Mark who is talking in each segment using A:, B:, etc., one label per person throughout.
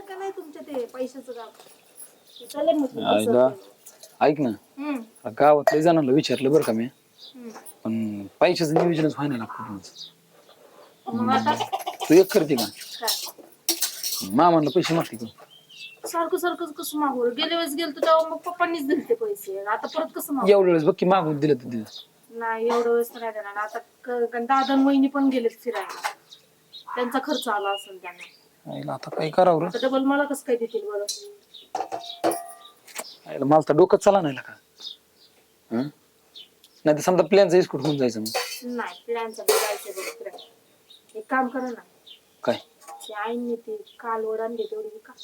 A: का नाही तुमच्या ते पैशाचं गाव चालेल म्हटलं
B: आईला ऐक ना गावात लय जणांना विचारलं बरं का मी पण पैशाचं नियोजनच व्हायला लागतं
A: मग आता
B: तू एक करते का
A: काय
B: मामाला पैसे मागते का
A: सारखं सारखं कसं मागू गेल्या वेळेस गेलतो तेव्हा मग पप्पांनीच दिले ते पैसे आता परत कसं मागू
B: एवढ्या वेळेस बघ की मागून दिलं तर दिलं
A: नाही एवढं वेळेस तर नाही देणार आता दादा आणि वहिनी पण गेलेत फिरायला त्यांचा खर्च आला असेल त्यांना
B: आईला आता काय करावं रे
A: आता डबल मला कसं काय देतील बरं
B: आईला मला तर डोकं चला नाही का नाही तर समजा प्लॅनचा इस्कूट होऊन जायचं मग
A: नाही प्लॅनचं जायचं बरं फिरायला एक काम करा ना
B: काय
A: ते आईने ते काल ओढान घेते तेवढी का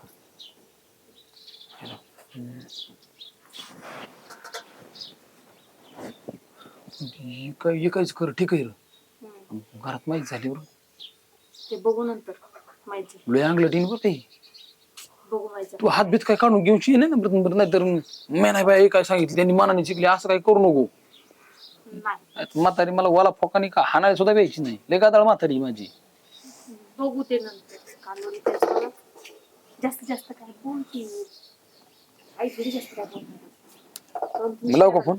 B: काहीच कर ठीक आहे घरात माहिती झाली बरं
A: ते बघू नंतर माहिती
B: लय अंगलं टीन बरं ते
A: बघू माहिती
B: तू हात बीत काय काढून घेऊची नाही ना बरं नाही तर मी नाही बाई काय सांगितलं त्यांनी मनाने शिकली असं काही करू नको
A: नाही
B: म्हातारी मला वाला फोकानी का हाणायला सुद्धा द्यायची नाही लय गादाळ म्हातारी माझी
A: बघू ते नंतर कालोरी त्याचं जास्तीत जास्त काय बोलती आई थोडी जास्त काय बोलणार
B: लाव का फोन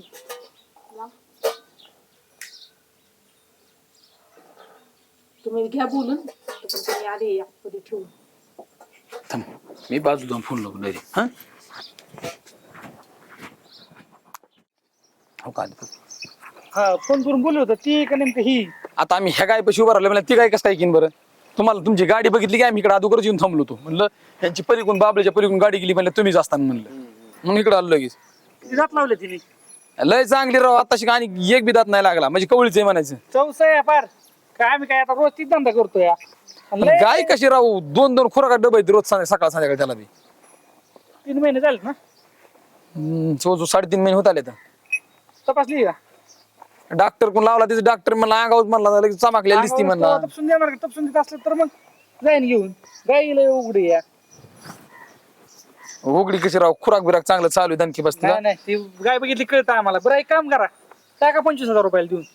A: तुम्ही घ्या बोलून तुम्ही आले कधी ठेवून
B: थांब मी बाजू जाऊन फोन लावून डायरेक्ट हो का
C: हा फोन करून बोललो होतं ती का नेमकं ही
B: आता आम्ही ह्या गाय पैसे उभं राहिलो म्हणजे ती गाय कसं काय किन बरं तुम्हाला तुमची गाडी बघितली की आम्ही इकडे अगोदरच येऊन थांबलो होतो म्हणलं त्यांची पलीकडून बाबल्याच्या पलीकडून गाडी गेली म्हणलं तुम्हीच असताना म्हणलं मग इकडे आलो लगेच
C: किती दात लावले तिने
B: लय चांगली राव आताशी आणि एक बी दात नाही लागला म्हणजे कवळीच आहे म्हणायचं
C: चौसा आहे पार काय आम्ही काय आता रोज तीच धंदा करतो या
B: पण गाय कशी राहू दोन दोन खुराका डबे आहेत रोज सकाळ संध्याकाळी त्याला बी
C: 3 महिने झाले ना
B: जो 3.5 महिने होत आले तर
C: तपासली का
B: डॉक्टर कोण लावला तिथे डॉक्टर मला अंगावर म्हणला लगेच चमाकलेली दिसती म्हणला
C: तपसून देणार का तपसून देत असलं तर मग जाईन घेऊन गाईला उघडी या
B: उघडी कशी राहू खुराक बिराक चांगलं चालू आहे दणकी बसते
C: नाही नाही ती गाय बघितली कळतं आम्हाला बरं एक काम करा टाका 25,000 रुपयाला देऊन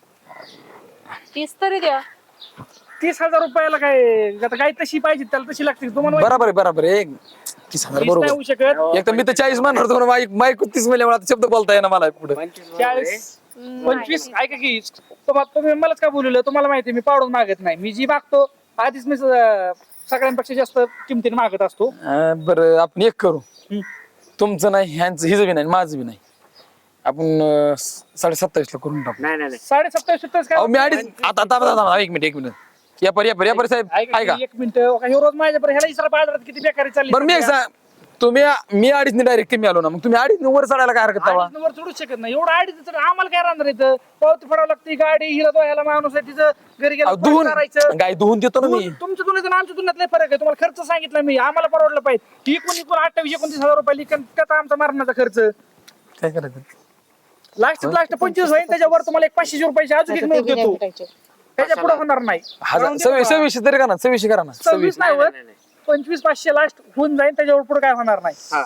A: 30 तरी द्या
C: 30,000 रुपयाला काय आता गाय तशी पाहिजे त्याला तशी लागते तुम्हाला माहिती
B: बरोबर आहे 30,000
C: नाही
B: बरोबर
C: होऊ शकत
B: एक तर मी तर 40 म्हणणार होतो माईक 30 मिळाले मला शब्द बोलता येणार मला पुढे
C: 40 25 ऐका की तुम्ही मलाच का बोलवलं तुम्हाला माहिती मी पावडून मागत नाही मी जी मागतो आधीच मी सगळ्यांपेक्षा जास्त किमतीने मागत असतो
B: बरं आपण एक करू तुमचं नाही ह्यांचं हिचं बी नाही माझं बी नाही आपण 27.5 ला करून टाकू
D: नाही नाही
C: 27,27
B: अहो
C: काय
B: मी अडीच आता एक मिनिट या पर साहेब ऐका
C: एक मिनिट हे रोज माझ्या ह्याला इसरा बाजारात किती बेकारी चालली
B: बरं मी एक सांग मी अडीच डायरेक्ट कमी आलो ना मग तुम्ही अडीच वर चढायला काय हरकत तवा
C: वर चढू शकत नाही एवढं आडीच आम्हाला काय राहणार इथं पावती फडावं लागते गाडी हिला दोह्याला माणूस आहे तिचं घरी गेलं
B: धुवून
C: करायचं
B: गाय धुवून देतो ना मी
C: तुमच्या तुलनेत आणि आमच्या तुलनेत लय फरक आहे तुम्हाला खर्च सांगितला मी आम्हाला परवडलं पाहिजे ही कोणी 28-29,000 रुपये लिखन त्याचा आमचा मारण्याचा खर्च
B: काय करायचं
C: लास्ट 25 होईल त्याच्यावर तुम्हाला एक 500 रुपयाची अजून एक नोट देतो त्याच्या पुढे होणार नाही
B: 26 तरी करा ना 26 करा ना
C: 26 नाही होत 25,500 लास्ट होऊन जाईल त्याच्यावर पुढे काय होणार नाही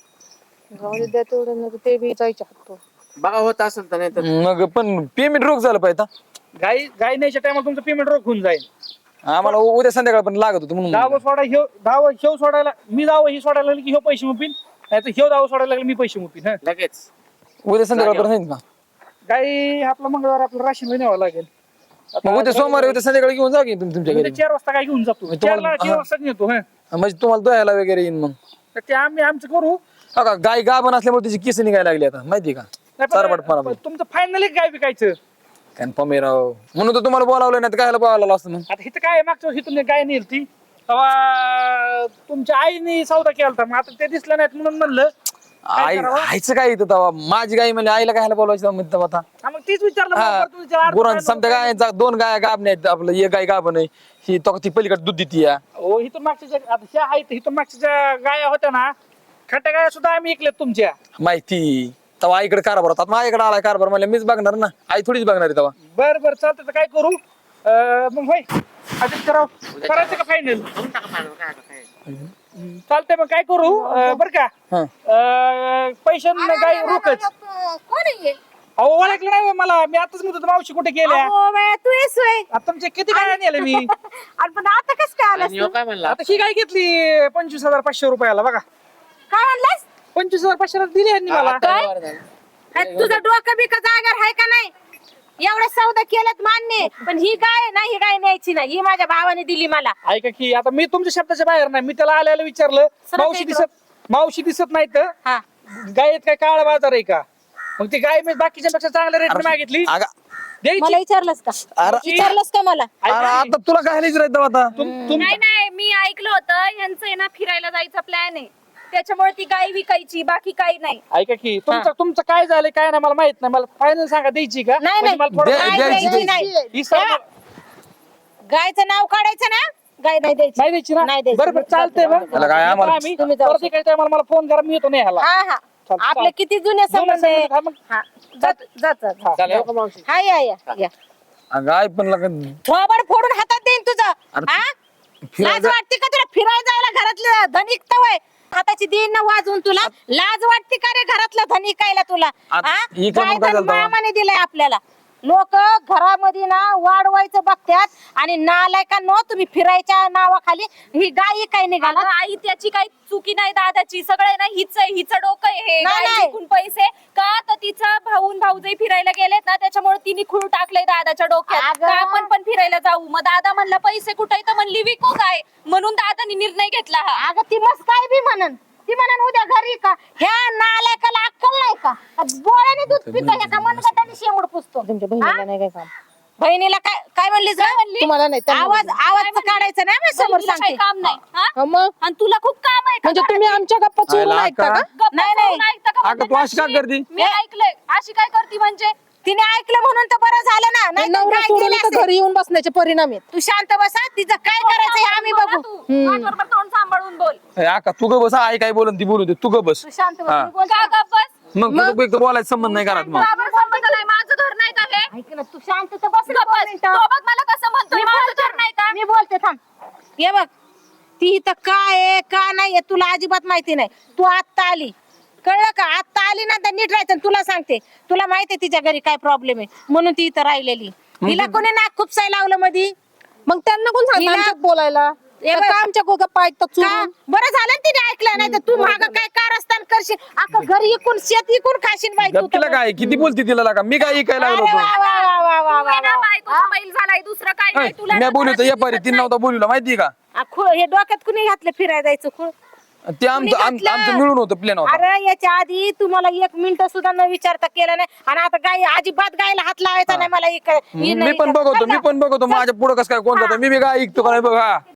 A: ते बी जायचे हक्क
D: बघा होत असेल तर नाही तर
B: मग पण पेमेंट रोख झालं पाहिजे
C: गाय न्यायच्या टायमाला तुमचं पेमेंट रोख होऊन जाईल
B: आम्हाला उद्या संध्याकाळ पण लागत होतं म्हणून
C: दावा सोडा ह्यो सोडायला मी दावा ही सोडायला लागली की ह्यो पैसे मुपीन नाही तर ह्यो दावा सोडायला लागला मी पैसे मुपीन
D: लगेच
B: उद्या संध्याकाळ पर्यंत का
C: गाई आपलं मंगळवार आपलं राशन न्यावं लागेल
B: मग उद्या सोमवारी उद्या संध्याकाळी घेऊन जा की तुमच्या घरी
C: 4 वाजता काय घेऊन जातो 4 वाजता नेतो
B: म्हणजे तुम्हाला दोहायला वगैरे येईन मग
C: तर ते आमचं करू
B: हो का गाय गाभण असल्यामुळे तिची केस निघायला लागली आता माहिती का
C: नाही, तुमचं फायनली काय विकायचं
B: कन्फर्म आहे राव म्हणून तर तुम्हाला बोलावलं नाही तर कायला बोलावलं असतं मग
C: आता इथं काय मागच्या वर्षी तुम्ही गाय नेल ती तेव्हा तुमच्या आईने सौदा केला होता मग आता ते दिसलं नाहीत म्हणून म्हणलं
B: आई आईचं काय येतं तेव्हा माझी गाय म्हणजे आईला कायला बोलायचं म्हणतं आता
C: मग तीच विचारलं
B: गुरांचं समजा गाय 2 गाय गाभ नाहीत आपलं एक गाय गाभ नाही ही तो ती पलीकडे दूध देते या
C: हो इथून मागच्या आता ह्या आहेत इथून मागच्या ज्या गाया होत्या ना खट्या गाया सुद्धा आम्ही ऐकल्यात तुमच्या
B: माहिती तेव्हा आईकडे कारभार होता माझ्याकडे आला कारभार म्हणलं मीच बघणार ना आई थोडीच बघणार आहे तेव्हा
C: बरं चालतं तर काय करू मग होय आदित्यराव करायचं का फायनल चालतंय मग काय करू बरं का पैसे गाय रोकच
A: कोण आहे
C: अहो ओळखलं नाही मला, मी आताच म्हणतो होतो, मावशी कुठे गेल्या
A: अहो बाया, तू येस होय.
C: आता तुमचे किती गाय नेले मी
A: आणि पण आता कस काय आलास
D: आणि
A: तू?
D: ह्यो काय म्हणला
C: आता ही गाय घेतली 25,500 रुपयाला बघा.
A: काय म्हणलास?
C: 25,500 दिली यांनी मला.
D: आता बरं झालं.
A: अरे तुझं डोकं बिकं जागर आहे का नाही? एवढं सौदा केलं मान्य आहे. पण ही गाय ना, ही गाय न्यायची नाही. ही माझ्या भावाने दिली मला.
C: ऐका की आता मी तुमच्या शब्दाच्या बाहेर नाही, मी त्याला आल्याला विचारलं
A: सरळ
C: मावशी दिसत नाही तर
A: हा
C: गायत काय काळा बाजार आहे का? मग ती गाय मी बाकीच्या पेक्षा चांगल्या रेट मागितली
B: अगं,
C: द्यायची.
A: मला विचारलंस का?
B: अरे
A: विचारलंस का मला?
B: अरे आता तुला काय विचारायचं आता
E: नाही नाही, मी ऐकलं होतं यांचं आहे ना फिरायला जायचा प्लॅन आहे, त्याच्यामुळे ती गाय विकायची, बाकी काही नाही.
C: ऐका की तुमचं काय झालं काय नाही मला माहित नाही, मला फायनल सांगा द्यायची का?
A: नाही,
C: म्हणजे मला थोडं-
B: दे-
A: गाय
B: द्यायची,
A: द्यायची
B: द्यायची.
A: नाही.
C: ही सर्व-
A: गायचं नाव काढायचं ना, गाय नाही द्यायची.
C: नाही द्यायची ना?
A: नाही द्यायची.
C: बरं बरं चालतंय मग.
B: त्याला काय आम्हाला-
C: आम्ही
A: तुम्ही जाऊ
C: परत काही टायमाला मला फोन करा, मी येतो नाही ह्याला.
A: हा हा
C: चालतं,
A: आपले
C: चालतं.
A: किती जुने संबंध आहे.
C: हा, मग.
A: हा जात जात
C: हा.
D: चालेल, येऊ का मावशी?
A: हा या
B: अगं आई पण लागत
A: थोबड फोडून हातात देईन तुझं.
B: अरे,
A: हा
B: फिरायला
A: लाज वाटते का तुला फिरायला जायला? घरातलं धन इकतं वय हाताची देईन ना वाजवून तुला लाज वाटते का रे? घरातलं धन इकायला तुला
B: आता
A: हा?
B: इकडं मग
A: काय
B: काय
A: धन
B: झालं तेव्हा?
A: मामाने दिलंय आपल्याला. लोक घरामध्ये ना वाढवायचं बघतात आणि नालायकांनो तुम्ही फिरायच्या नावाखाली ही गाय काय निघाला.
E: अगं आई त्याची काही चुकी नाही दादाची, सगळे ना हिचं डोकं आहे हे.
A: नाही,
E: गाय
A: नाही.
E: विकून पैसे का तर तिचा भाऊजाई फिरायला गेलेत ना, त्याच्यामुळे तिने खूळ टाकलंय दादाच्या डोक्यात
A: अगं.
E: का आपण पण फिरायला जाऊ. मग दादा म्हणला पैसे कुठे तर म्हणली विकू काय, म्हणून दादानी निर्णय घेतला हा.
A: अगं ती मस्त काय बी म्हणन, ती म्हणन उद्या घरी का ह्या नालायकाला अक्कल नाही का? बोळ्याने दूध पितं ह्या का मनगटाने शेंबूड पुसतो. तुमच्या बहिणीला नाही काय काम? बहिणीला काय काय म्हणलीस ग? तुम्हाला नाही आवाज काढायचा नाही मी समोर
E: बहिणीला
A: सांगते.
E: काही काम नाही हा?
A: मग
E: आणि तुला खूप काम आहे का
A: म्हणजे
E: घरात?
A: तुम्ही आमच्या गप्पा चोरून
B: आयला
A: ऐकता का?
B: का?
E: गप्पा
A: नाही, नाही.
E: करून ऐकता का
B: अगं, तू
E: म्हणतात
B: अशी का
E: अशी?
B: करती?
E: मी ऐकलंय अशी काय करती म्हणजे.
A: तिने ऐकलं म्हणून तर बरं झालं ना, नाही तर काय केलं असेल?
F: घरी येऊन बसण्याचे परिणाम आहेत.
A: तू शांत बसा, तिचं काय करायचं हे आम्ही बघू.
E: माझ्याबरोबर तोंड सांभाळून बोल.
B: आका तू ग बस आई काय बोलून ती बोलू दे तू ग बस
A: तू शांत बस,
B: हा.
A: मी बोलते.
E: का गप्प बस?
B: मग तू एक तर बोलायचं संबंध नाही घरात मग
E: बाबा संबंध नाही, माझं घर नाही का हे?
A: ऐक ना, तू शांत तर बस ना
E: गप्प
A: दोन
E: बस.
A: मिनिटं.
E: तो बघ मला कसं म्हणतोय,
A: मी
E: माझं
A: बोलते,
E: घर नाही का?
A: मी बोलते थांब. ये बघ ती इथं काय आहे का नाही तुला अजिबात माहिती नाही. तू आत्ता आली, कळलं का? आत्ता आली ना तर नीट राहायचं. तुला सांगते, तुला माहिती आहे तिच्या घरी काय प्रॉब्लेम आहे म्हणून ती इथं राहिलेली. तिला कोणी नाक खुपसाय लावलं मधी
F: मग त्यांना कोण सांगतं
A: हिला-
F: आमच्यात बोलायला?
A: हे
F: का
A: बघ.
F: आमच्या गप्पा ऐकतात
A: का?
F: चोरून?
A: बरं झालं ना तिने ऐकलं, नाही तर तू माग काय कारस्थान करशील. अख्खं घरी इकून शेत इकून खाशील बाई तू
B: तिला
A: तर.
B: काय किती बोलती तिला लागा मी काय ऐकायला
A: अरे
B: लागलो
A: वा, वा, वा, वा, वा,
E: तू आहे ना
A: वा.
E: बायकोचा बैल झालाय, दुसरं काय नाही. तुला
B: मी
E: ना
B: बोलू
E: घरात
B: या पारी
E: दिसत
B: तीन
E: नाही.
B: नव्हता बोलूला माहिती का
A: हे डोक्यात कुणी घातलं फिरायला जायचं खूळ?
B: ते आमचं
A: घातलं?
B: आमचं मिळून होतं प्लॅन होता
A: अरे याच्या आधी तुम्हाला 1 मिनिट सुद्धा न विचारता केलं नाही आणि आता गाय अजिबात गायला हात लावायचा नाही मला.
B: मी पण बघतो माझ्या पुढं कसं काय कोणता मी बी काय ऐकतो का नाही बघा